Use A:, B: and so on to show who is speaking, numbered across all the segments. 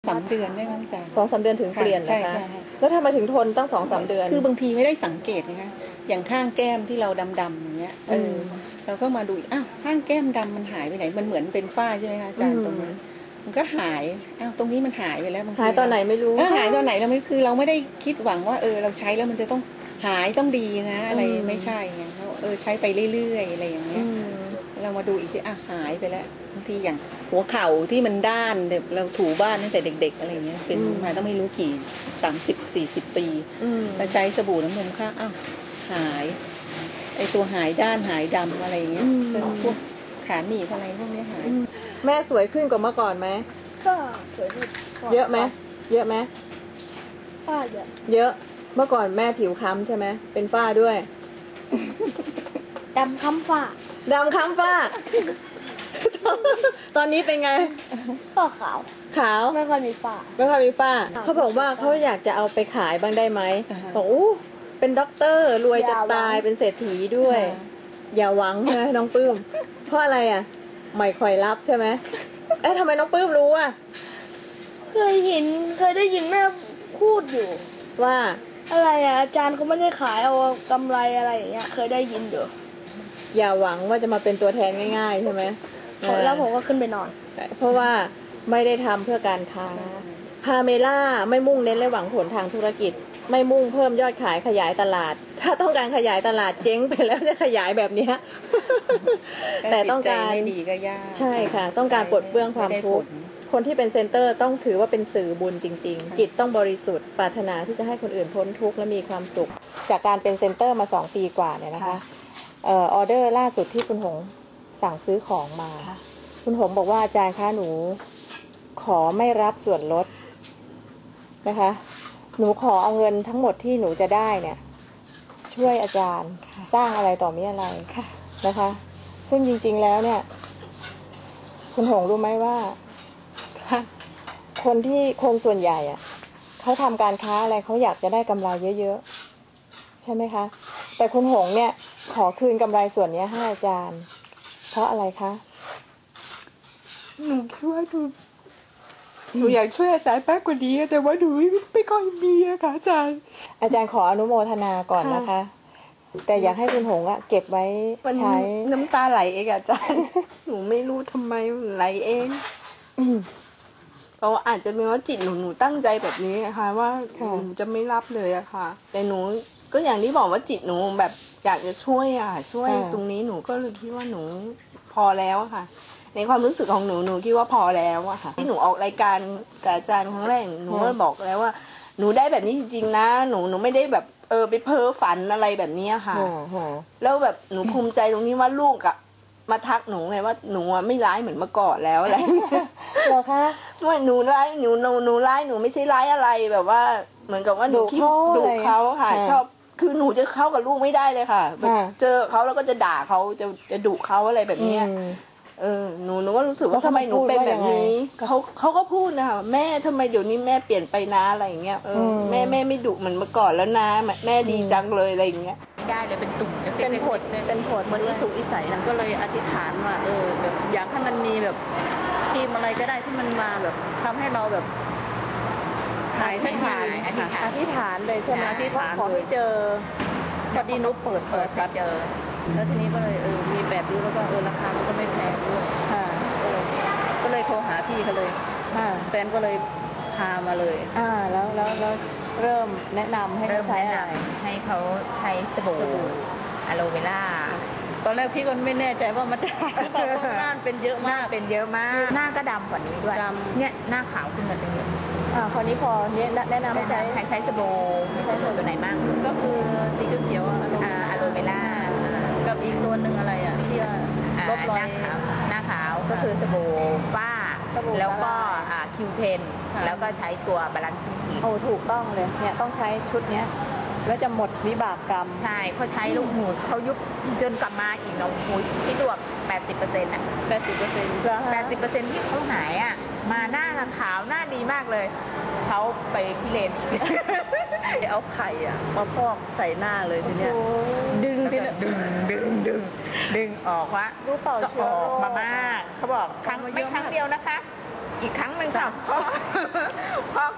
A: 3 เดือนได้มั้งจ๊ะ
B: 2-3 เดือนถึงเปลี่ยนนะคะ
A: ใช่
B: แล้วทำไมถึงทนตั้ง2-3 เดือน
A: คือบางทีไม่ได้สังเกตนะคะอย่างข้างแก้มที่เราดำๆอย่างเงี้ยเราก็มาดูอ้าวข้างแก้มดำมันหายไปไหนมันเหมือนเป็นฝ้าใช่ไหมคะอาจารย์ตรงนี้มันก็หายอ้าวตรงนี้มันหายไปแล้ว
B: หายตอนไหนไม่รู้
A: หายตอนไหนเราไม่คือเราไม่ได้คิดหวังว่าเราใช้แล้วมันจะต้องหายต้องดีนะอะไรไม่ใช่ไงใช้ไปเรื่อยๆอะไรอย่างเงี้ยเรามาดูอีกทีหายไปแล้วบางทีอย่างหัวเข่าที่มันด้านเราถูบ้านตั้งแต่เด็กๆอะไรเงี้ยเป็นมาต้องไม่รู้กี่30-40 ปีแล้วใช้สบู่น้ำนมข้างหายไอตัวหายด้านหายดำอะไรเงี้ยพวกขาหนีบอะไรพวกนี้หาย
B: แม่สวยขึ้นกว่าเมื่อก่อนไหม
C: ก็สวยขึ้น
B: เยอะไหมเยอะไหม
C: ฝ้าเ
B: ยอะเมื่อก่อนแม่ผิวค้ำใช่ไหมเป็นฝ้าด้วย
C: ดำค้ำฝ้า
B: ดำค้ำฝ้าตอนนี้เป็นไง
C: ก็ขาวไม่ค่อยมีฝ้า
B: เขาบอกว่าเขาอยากจะเอาไปขายบ้างได้ไหมบอกเป็นด็อกเตอร์รวยจะตายเป็นเศรษฐีด้วยอย่าหวังใช่ไหมน้องปื้มเพราะอะไรไม่ค่อยรับใช่ไหมทำไมน้องปื้มรู้
C: เคยได้ยินแม่พูดอยู่
B: ว่า
C: อะไรอาจารย์เขาไม่ได้ขายเอากำไรอะไรอย่างเงี้ยเคยได้ยินอยู่
B: อย่าหวังว่าจะมาเป็นตัวแทนง่ายๆใช่ไหม
C: แล้วผมก็ขึ้นไปนอน
B: เพราะว่าไม่ได้ทำเพื่อการค้าพาเมล่าไม่มุ่งเน้นและหวังผลทางธุรกิจไม่มุ่งเพิ่มยอดขายขยายตลาดถ้าต้องการขยายตลาดเจ๊งไปแล้วจะขยายแบบนี้แต่ต้องการ
A: ไม่ดีก็ยาก
B: ใช่ค่ะต้องการปลดเปลื้องความทุกข์คนที่เป็นเซ็นเตอร์ต้องถือว่าเป็นสื่อบุญจริงๆจิตต้องบริสุทธิ์ปรารถนาที่จะให้คนอื่นพ้นทุกข์และมีความสุขจากการเป็นเซ็นเตอร์มา2 ปีกว่าเนี่ยนะคะออเดอร์ล่าสุดที่คุณหงสั่งซื้อของมาคุณหงบอกว่าอาจารย์คะหนูขอไม่รับส่วนลดนะคะหนูขอเอาเงินทั้งหมดที่หนูจะได้เนี่ยช่วยอาจารย์สร้างอะไรต่อมีอะไรนะคะซึ่งจริงๆแล้วเนี่ยคุณหงรู้ไหมว่าคนส่วนใหญ่เขาทำการค้าอะไรเขาอยากจะได้กำไรเยอะๆใช่ไหมคะแต่คุณหงเนี่ยขอคืนกำไรส่วนนี้ให้อาจารย์เพราะอะไรคะ
D: หนูคิดว่าหนูอยากช่วยอาจารย์มากกว่านี้แต่ว่าหนูไม่ค่อยมีค่ะอาจารย์
B: ขออนุโมทนาก่อนนะคะแต่อยากให้คุณหงเก็บไว้ใช้
D: น้ำตาไหลเองอาจารย์หนูไม่รู้ทำไมไหลเองเพราะอาจจะเป็นว่าจิตหนูตั้งใจแบบนี้นะคะว่าหนูจะไม่รับเลยอะค่ะแต่หนูก็อย่างที่บอกว่าจิตหนูแบบอยากจะช่วยช่วยตรงนี้หนูก็เลยคิดว่าหนูพอแล้วค่ะในความรู้สึกของหนูคิดว่าพอแล้วอะค่ะที่หนูออกรายการกับอาจารย์ครั้งแรกหนูก็บอกแล้วว่าหนูได้แบบนี้จริงๆนะหนูไม่ได้แบบไปเพ้อฝันอะไรแบบนี้ค่ะแล้วแบบหนูภูมิใจตรงนี้ว่าลูกมาทักหนูไงว่าหนูไม่ร้ายเหมือนเมื่อก่อนแล้วอะไร
B: เหรอคะ
D: ว่าหนูร้ายหนูร้ายหนูไม่ใช่ร้ายอะไรแบบว่าเหมือนกับว่าหนูคิดดุเขาค่ะชอบคือหนูจะเข้ากับลูกไม่ได้เลยค่ะเจอเขาแล้วก็จะด่าเขาจะดุเขาอะไรแบบนี้หนูก็รู้สึกว่าทำไมหนูเป็นแบบนี้เขาก็พูดนะคะแม่ทำไมเดี๋ยวนี้แม่เปลี่ยนไปนะอะไรอย่างเงี้ยแม่ไม่ดุเหมือนเมื่อก่อนแล้วนะแม่ดีจังเลยอะไรอย่างเงี้ย
A: ไม่ได้เลยเป็นตุ่ม
B: เป็นผดเห
E: มือนอิสุอิสัยนั้นก็เลยอธิษฐานว่าแบบอยากให้มันมีแบบทีมอะไรก็ได้ที่มันมาแบบทำให้เราแบบหายสักที
B: อธิษฐานเลยใช่ไหม
E: อธิษฐาน
B: ขอให้เจอ
E: พอดีนุ๊กเปิดเจอแล้วทีนี้ก็เลยมีแบบดูแล้วก็ราคามันก็ไม่แพงด้วยก็เลยโทรหาพี่เขาเลยแฟนก็เลยพามาเลย
B: แล้วเริ่มแนะนำให้เขาใช้อะไร
A: ให้เขาใช้สบู่อะโลเวล่า
E: ตอนแรกพี่ก็ไม่แน่ใจว่ามันจะเพราะหน้าเป็นเยอะมาก
A: หน้าก็ดำกว่านี้ด้วยเนี่ยหน้าขาวขึ้นมาตรงนี้
B: คราวนี้พอเนี่ยแนะนำให้
A: ใช้สบู่ตัวไหนบ้าง
E: ก็คือสีเขียวอะ
A: โลเวล่า
E: กับอีกตัวหนึ่งอะไรที่ลบรอย
A: หน้าขาวก็คือสบู่ฝ้าแล้วก็Q10แล้วก็ใช้ตัวบาลานซ์ครีม
B: ถูกต้องเลยเนี่ยต้องใช้ชุดเนี้ยแล้วจะหมดวิบากกรรม
A: ใช่เขาใช้ลูกหมูเขายุบจนกลับมาอีกน้องหูคิดดู80%80%ที่เขาหายมาหน้าขาวหน้าดีมากเลยเขาไปพิเรน
E: เอาไข่มาพอกใส่หน้าเลยทีเนี้ย
A: ดึงออกว่า
B: รู้เปล่า
A: ก็ออกมามากเขาบอกไม่ครั้งเดียวนะคะอีกครั้งหนึ่งค่ะ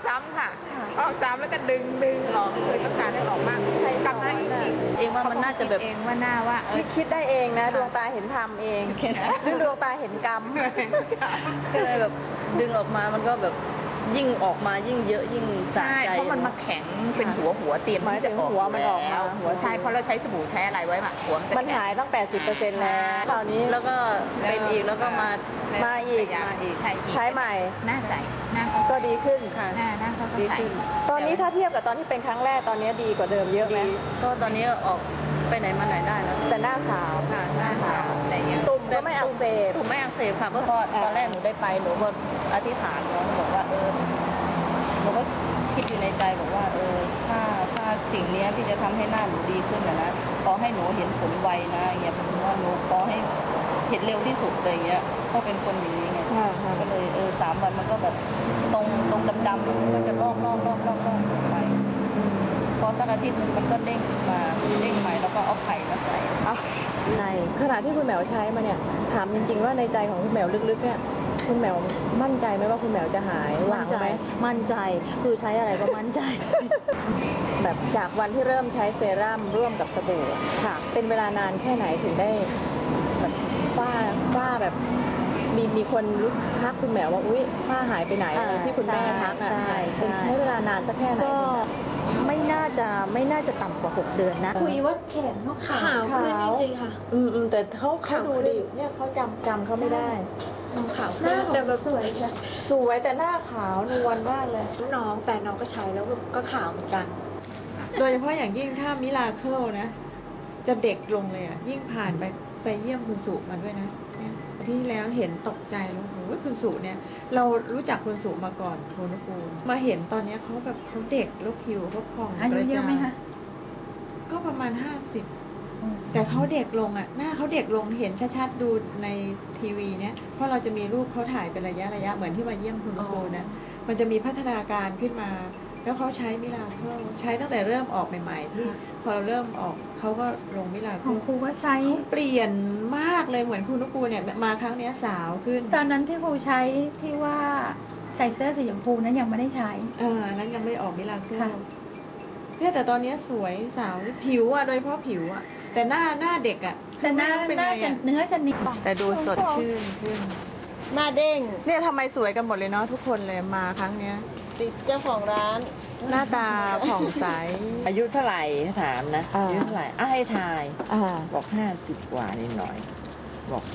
D: ซ้ำค่ะออกซ้ำแล้วก็ดึงออกเลยต้องการให้ออกมากกลับมาอีก
E: เองว่ามันน่าจะแบบ
C: เองว่าหน้าว่า
B: คิดได้เองนะ ดวงตาเห็นธรรมเองหรือดวงตาเห็นกรรม
E: ก็เลยแบบดึงออกมามันก็แบบยิ่งออกมายิ่งเยอะยิ่งสะ
F: ใช่
E: ใจ
F: เพราะมันมาแข็งเป็นหัวเตรียม
B: หมาย
F: ที่
B: ถึ
F: จะ
B: ง
F: ออก
B: หัวมันออกมา
F: แล้ว
B: หัว
F: ใช่เพราะเราใช้สบู่ใช้อะไรไว้อะหัวมันจะ
B: มัน
F: แข็ง
B: หายตั้ง 80%แล้วคราวนี้
E: แล้วก็เป็นอีกแล้วก็มา
B: มาอีก
F: ใช่อีก
B: ใช้ใหม่
F: หน้าใสหน้าเขา
B: ก็ดีขึ้น
E: ค่ะ
F: หน้าเขาก็
E: ดี
F: ใส
E: ขึ้น
B: ตอนนี้ถ้าเทียบกับตอนที่เป็นครั้งแรกตอนนี้ดีกว่าเดิมเยอะไหม
E: ก็ตอนนี้ออกไปไหนมาไหนได้แล้ว
B: แต่หน้าขาว
E: ค่ะหน้าขาว
F: แต่ยัง
B: ตุ่มก็ไม่อักเสบ
E: ถูกไม่อักเสบค่ะเพราะตอนแรกหนูได้ไปหนูก็อธิษฐานเนาะบอกว่าหนูก็คิดอยู่ในใจบอกว่าถ้าสิ่งเนี้ยที่จะทำให้หน้าหนูดีขึ้นนะขอให้หนูเห็นผลไวนะอย่างเงี้ยผมว่าหนูขอให้เห็นเร็วที่สุดเลยอย่างเงี้ยเพราะเป็นคนอย่างนี้ไง ก็เลย3 วันมันก็แบบตรงดำๆมันก็จะลอกไปพอสักอาทิตย์หนึงมันก็เด้งขึ้นมาเด้งใหม่แล้วก็เอาไข่มาใส่
B: ในขณะที่คุณแหมวใช้มาเนี่ยถามจริงๆว่าในใจของคุณแหมวลึกๆเนี่ยคุณแหมวมั่นใจไหมว่าคุณแหมวจะหายหวังไหม
E: มั่นใจคือใช้อะไรก็มั่นใจ
B: แบบจากวันที่เริ่มใช้เซรั่มร่วมกับสบู่ค่ะ เป็นเวลานานแค่ไหนถึงได้แบบฝ้าแบบมีคนรู้ทักคุณแหมวว่าอุ้ยฝ้าหายไปไหนอะไรที่คุณแม่ทักอ่ะ
E: ใช่
B: ใช้เวลานานสักแค่ไหน
E: ก็ไม่น่าจะต่ำกว่า6 เดือนนะ
G: คุยว่าแขนเขาขาว
C: ขาวขึ้นจริงๆค่ะ
B: แต่เขาดูดิเนี่ยเขาจำเขาไม่ได้
C: ขาวขึ้นแต่แบบสวยค่ะ
B: สวยแต่หน้าขาวนวลมากเลย
G: น้องแฟนน้องก็ใช้แล้วก็ขาวเหมือนกัน
B: โดยเฉพาะอย่างยิ่งถ้ามิราเคิลนะ จะเด็กลงเลยอ่ะ ยิ่งผ่านไปเยี่ยมคุณสุมาด้วยนะเนี่ยอาที่แล้วเห็นตกใจแล้วโอ้ยคุณสุเนี่ย เรารู้จักคุณสุมาก่อนโทนุกูลมาเห็นตอนเนี้ยเขาแบบเขาเด็กแล้วผิวเขาผ่อง
G: อายุ
B: กระ
G: เย
B: จ่า
G: อะไหมคะ
B: ก็ประมาณ 50 แต่เขาเด็กลงอ่ะ หน้าเขาเด็กลงเห็นชัดๆดูในทีวีเนี่ยเพราะเราจะมีรูปเขาถ่ายเป็นระยะเหมือนที่มาเยี่ยมคุณโกนะมันจะมีพัฒนาการขึ้นมา แล้วเขาใช้มิลาเคิลใช้ตั้งแต่เริ่มออกใหม่ๆที่พอเราเริ่มออกเขาก็ลงมิลา
G: ข
B: เคิ
G: อง
B: ล
G: ครูก็ใช้
B: เขาเปลี่ยนมากเลยเหมือนคุณนุกูเนี่ยมาครั้งเนี้ยสาวขึ้น
G: ตอนนั้นที่ครูใช้ที่ว่าใส่เสื้อสีชมพูนั้นยังไม่ได้ใช้
B: อันนั้นยังไม่ออกมิลาเคิล
G: ค่ะ
B: เนี่ยแต่ตอนเนี้ยสวยสาวผิวอ่ะโดยเฉพาะผิวอ่ะแต่หน้าเด็กอ่ะ
G: แต่หน้า
B: เป็น
G: หน้า
B: ไง
G: จะ
B: อ่ะ
G: เนื้อจะนิ่ม
B: แต่ดูสดชื่นขึ้น
A: หน้าเด้ง
B: เนี่ยทำไมสวยกันหมดเลยเนาะทุกคนเลยมาครั้งเนี้ย
A: ติดเจ้าของร้าน
B: หน้าตาผ่องใส
H: อายุเท่าไหร่ถามนะ
B: อ่า
H: อายุเท่าไหร่ให้ทาย
B: อ่า
H: บอก50 กว่านิดหน่อย บอก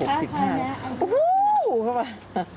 H: 65
B: โอ้โหเข้ามา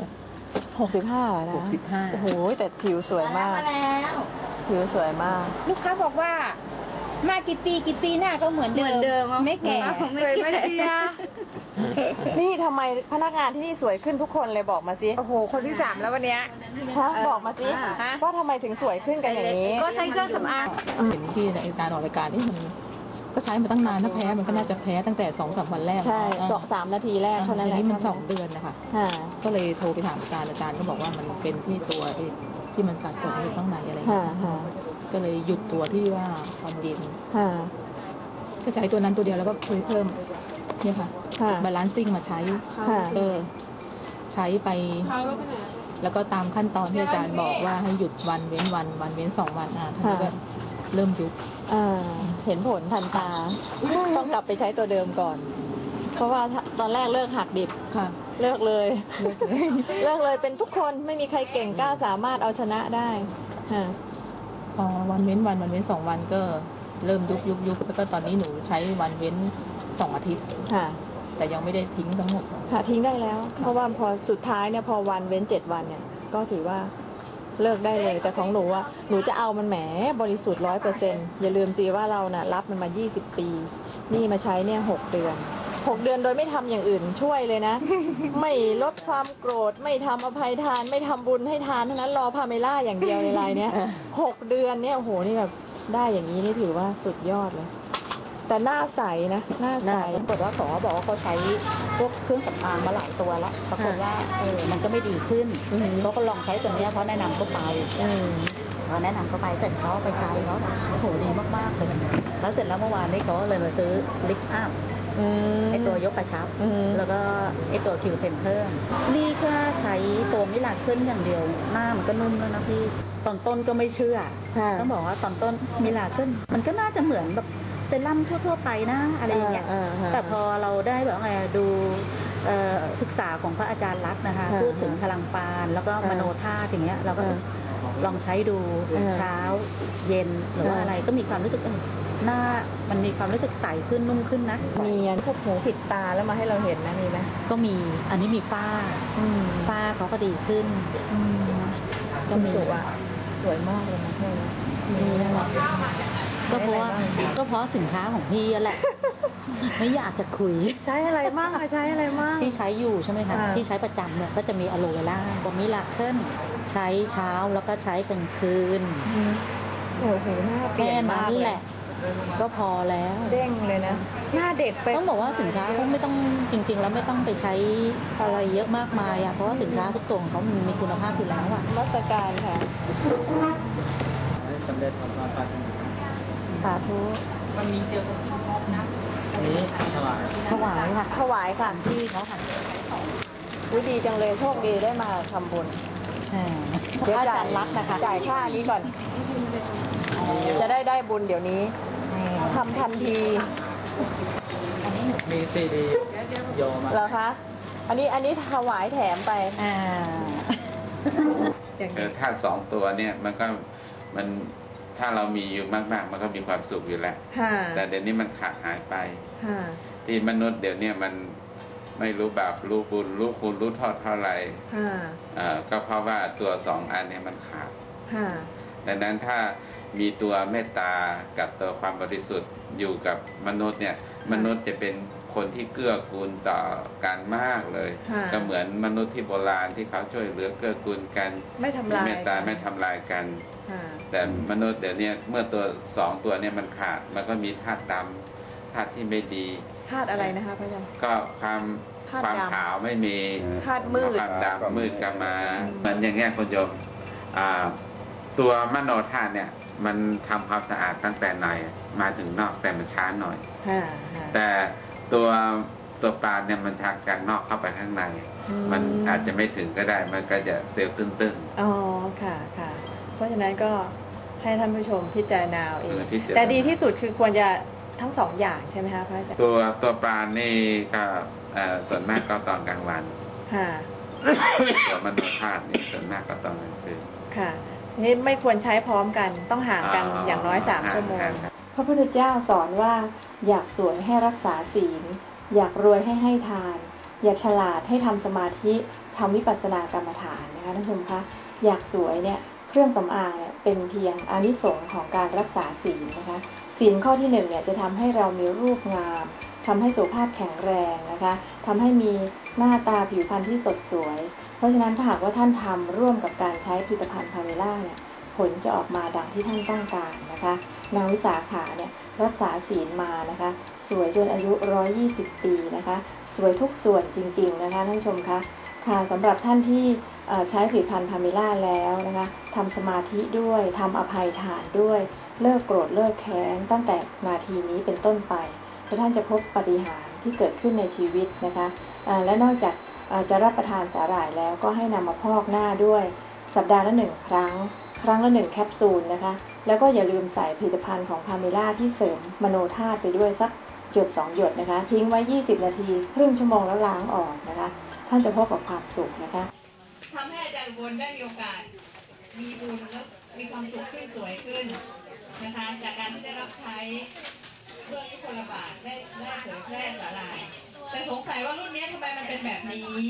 B: 65นะ
H: 65
B: โอ้โหแต่ผิวสวยมาก ผิวสวยมาก
I: ลูกค้าบอกว่ามากี่ปีหน้าก็เหมือนเดิมไม่แก่
C: สวยไม่เชีย
B: นี่ทำไมพนักงานที่นี่สวยขึ้นทุกคนเลยบอกมาสิ
I: โอ้โห คนที่ 3 แล้ววันเนี้ย
B: ฮะบอกมาสิว่าทำไมถึงสวยขึ้นกันอย่างนี้
I: ก็ใช้เครื่องสำอาง
J: เห็นที่ในอาจารย์ออกรายการที่มันก็ใช้มาตั้งนานถ้าแพ้มันก็น่าจะแพ้ตั้งแต่2-3 วันแรก
B: ใช่
J: อ่า
B: 3 นาทีแรกเท่านั้นแหละ
J: อันนี้มัน2 เดือนนะคะ
B: อ่า
J: ก็เลยโทรไปถามอาจารย์ก็บอกว่ามันเป็นที่ตัวที่มันสะสมอยู่ข้างในอะไรอย่างเงี้ย
B: ค่ะ
J: ก็เลยหยุดตัวที่ว่าความเย็น
B: ค่ะ
J: ก็ใช้ตัวนั้นตัวเดียวแล้วก็เพิ่มเนี่ยค่ะ
B: ค่ะ
J: บาลานซิ่งมาใช้
B: ค่ะ
J: ใช้ไป แล้วก็ตามขั้นตอนที่อาจารย์บอกว่าให้หยุดวันเว้นวันเว้น2 วันทีนี้ก็เริ่มยุบ
B: เห็นผลทันตา ต้องกลับไปใช้ตัวเดิมก่อน เพราะว่าตอนแรกเลิกหักดิบ
J: ค่ะ
B: เลิกเลย เลิกเลยเป็นทุกคนไม่มีใครเก่งกล้าสามารถเอาชนะได้ค่ะ
J: พอวันเว้นวันเว้น2 วันก็เริ่มยุบแล้วก็ตอนนี้หนูใช้วันเว้น2 อาทิตย์
B: ค่ะ
J: แต่ยังไม่ได้ทิ้งทั้งหมด
B: ค่ะทิ้งได้แล้ว เพราะว่าพอสุดท้ายเนี่ยพอวันเว้น7 วันเนี่ยก็ถือว่าเลิกได้เลย แต่ของหนูอ่ะหนูจะเอามันแหมบริสุทธิ์100%อย่าลืมสิว่าเราน่ะรับมันมา20 ปี นี่มาใช้เนี่ย6 เดือน6 เดือนโดยไม่ทำอย่างอื่นช่วยเลยนะ ไม่ลดความโกรธไม่ทำอภัยทานไม่ทำบุญให้ทานเท่านั้นรอพาเมล่าอย่างเดียวในรายเนี้ย6 เดือนเนี่ยโอ้โหนี่แบบได้อย่างนี้นี่ถือว่าสุดยอดเลย แต่หน้าใสนะหน้าใส
F: ปรากฏว่าเขาบอกว่าเขาใช้พวกเครื่องสำอางมาหลายตัวแล้วปรากฏว่ามันก็ไม่ดีขึ้นเขาก็ลองใช้ตัวเนี้ยเพราะแนะนำเขาไปพอแนะนำเขาไปเสร็จเขาไปใช้เขาโอ้โหดีมากๆเลยแล้วเสร็จแล้วเมื่อวานนี้เขาเลยมาซื้อลิฟต์อัพไอตัวยกกระชับแล้วก็ไอตัวคิวเทนเพิ่มนี่แค่ใช้ตัวมิลาเคิลอย่างเดียวหน้ามันก็นุ่มแล้วนะพี่ตอนต้นก็ไม่เชื่อต้องบอกว่าตอนต้นมิลาเคิลมันก็น่าจะเหมือนแบบเซรั่มทั่วๆไปนะอะไรอย่างเงี้ยแต่พอเราได้แบบไงดูศึกษาของพระอาจารย์รัตน์นะคะพูดถึงพลังปานแล้วก็มโนธาตุอย่างเงี้ยเราก็ลองใช้ดูเช้าเย็นหรือว่าอะไรก็มีความรู้สึกหน้ามันมีความรู้สึกใสขึ้นนุ่มขึ้นนะ
B: มีพวกหูผิดตาแล้วมาให้เราเห็นนะมีไหม
F: ก็มีอันนี้มีฝ้าเขาก็ดีขึ้น
B: ก็สวยมากเลยนะเพื่อนนี่น่ารัก
F: ก็เพราะสินค้าของพี่แหละไม่อยากจะคุย
B: ใช้อะไรมั่งใช้อะไรมั่ง
F: พี่ใช้อยู่ใช่ไหมคะพี่ใช้ประจำเนี่ยก็จะมีอะโลเวล่าบอมิลาเคิลใช้เช้าแล้วก็ใช้กลางคืน
B: โอ้โหหน้าเปลี่ยนมาก
F: แหละก็พอแล้ว
B: เด้งเลยนะหน้าเด็กไป
F: ต้องบอกว่าสินค้าเขาไม่ต้องจริงๆแล้วไม่ต้องไปใช้อะไรเยอะมากมายเพราะว่าสินค้าทุกตัวของเขามีคุณภาพอยู่แล้ว
B: ราชการค่ะ
H: สำเร็จความปรารถนา
B: สาธุ
J: วันนี้เจอคนที่พบนะ
H: นี้ถวาย
B: ค่ะถวายค่ะ
F: ที่เขาค่ะ
B: ดีจังเลยโชคดีได้มาทำบุญเดี๋ยวจ่ายรักนะคะจ่ายค่านี้ก่อนจะได้บุญเดี๋ยวนี้ทำทันที
H: มีซีดีโยมา
B: เหรอคะอันนี้ถวายแถมไป
K: ถ้า2 ตัวเนี่ยมันถ้าเรามีอยู่มากๆมันก็มีความสุขอยู่แล้วแต่เดี๋ยวนี้มันขาดหายไปที่มนุษย์เดี๋ยวนี้มันไม่รู้บาปรู้บุญรู้คุณรู้โทษเท่าไหร่ก็เพราะว่าตัว2 อันเนี่ยมันขาดดังนั้นถ้ามีตัวเมตตากับตัวความบริสุทธิ์อยู่กับมนุษย์เนี่ยมนุษย์จะเป็นคนที่เกื้อกูลต่อกันมากเลยก็เหมือนมนุษย์ที่โบราณที่เขาช่วยเหลือเกื้อกูลกัน
B: ไม่ทำลาย
K: เมตตาไม่ทำลายกันแต่มนุษย์เดี๋ยวนี้เมื่อตัว2 ตัวเนี่ยมันขาดมันก็มีธาตุดำธาตุที่ไม่ดี
B: ธาตุอะไรนะคะพระอาจารย์
K: ก็ความขาวไม่มี
B: ธาตุมืด
K: ความดำมืดกามาเหมือนอย่างเงี้ยคุณโยมตัวมโนธาตุเนี่ยมันทำความสะอาดตั้งแต่ในมาถึงนอกแต่มันช้าหน่อยแต่ตัวปลาเนี่ยมันชักจากนอกเข้าไปข้างในมันอาจจะไม่ถึงก็ได้มันก็จะเซลล์ตึ้ง
B: ๆอ๋อค่ะเพราะฉะนั้นก็ให้ท่านผู้ชมพิจารณาเองแต่ดีที่สุดคือควรจะทั้ง2 อย่างใช่ไหมคะพระอาจารย์
K: ตัวปลานี่ก็ส่วนมากก็ตอนกลางวันตัวมโนธาตุนี่ส่วนมากก็ตอนกลางคืน
B: ค่ะนี่ไม่ควรใช้พร้อมกันต้องห่างกันอย่างน้อย3 ชั่วโมงพระพุทธเจ้าสอนว่าอยากสวยให้รักษาศีลอยากรวยให้ทานอยากฉลาดให้ทำสมาธิทำวิปัสสนากรรมฐานนะคะท่านผู้ชมคะอยากสวยเนี่ยเครื่องสำอางเนี่ยเป็นเพียงอานิสงส์ของการรักษาศีลนะคะศีลข้อที่1เนี่ยจะทำให้เรามีรูปงามทำให้สุขภาพแข็งแรงนะคะทำให้มีหน้าตาผิวพรรณที่สดสวยเพราะฉะนั้นถ้าหากว่าท่านทำร่วมกับการใช้ผลิตภัณฑ์พาเมล่าเนี่ยผลจะออกมาดังที่ท่านต้องการนะคะนางวิสาขาเนี่ยรักษาศีลมานะคะสวยจนอายุ120 ปีนะคะสวยทุกส่วนจริงๆนะคะท่านผู้ชมคะค่ะสำหรับท่านที่ใช้ผลิตภัณฑ์พาเมล่าแล้วนะคะทำสมาธิด้วยทำอภัยทานด้วยเลิกโกรธเลิกแค้นตั้งแต่นาทีนี้เป็นต้นไปและท่านจะพบปาฏิหาริย์ที่เกิดขึ้นในชีวิตนะคะและนอกจากจะรับประทานสาหร่ายแล้วก็ให้นำมาพอกหน้าด้วยสัปดาห์ละ1 ครั้งละ1 แคปซูลนะคะแล้วก็อย่าลืมใส่ผลิตภัณฑ์ของพาเมล่าที่เสริมมโนธาตุไปด้วยสักหยด2 หยดนะคะทิ้งไว้20 นาทีครึ่งชั่วโมงแล้วล้างออกนะคะท่านจะพบกับความสุขนะคะ
L: ทำให้อาจารย์วนได้มีโอกาสมีบุญและมีความสุขขึ้นสวยขึ้นนะคะจากการที่ได้รับใช้เรื่องที่คนละบาทได้เผยแพร่สาหร่ายแต่สงสัยว่ารุ่นนี้ทำไมมันเป็นแบบนี้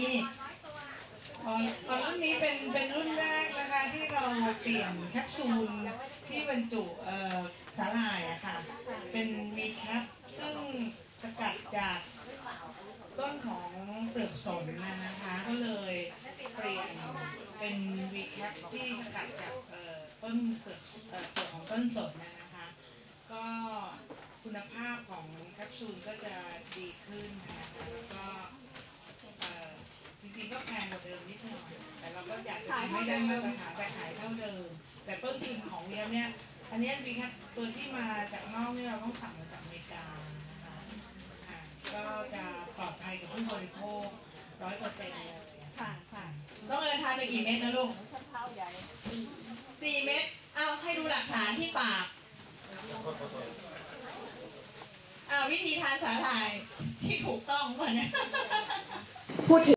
L: รุ่นนี้เป็นรุ่นแรกนะคะที่เราเปลี่ยนแคปซูลที่บรรจุสาหร่ายอะค่ะเป็นวีแคปซึ่งสกัดจากต้นของเปลือกสนนะคะก็เลยเปลี่ยนเป็นวีแคปที่สกัดจากต้นเปลือกของต้นสนนะคะก็คุณภาพของแคปซูลก็จะดีขึ้นนะคะแล้วก็จริงๆก็แพงกว่าเดิมนิดหน่อยแต่เราก็อยากจะไม่ได้มาตรฐานแต่ขายเท่าเดิมแต่ต้นทุนของเนี้ยอันนี้วีแคปตัวที่มาจากนอกนี่เราต้องสั่งมาจากอเมริกานะคะก็จะปลอดภัยกับผู้บริโภค100%เลยค่ะค่ะ
M: ต้องเดินทางไปกี่เม็ดนะลูก
L: เท้าใหญ่
M: 4 เม็ดเอาให้ดูหลักฐานที่ปากวิธีทานสาหร่ายที่ถูกต้องก่อนนะ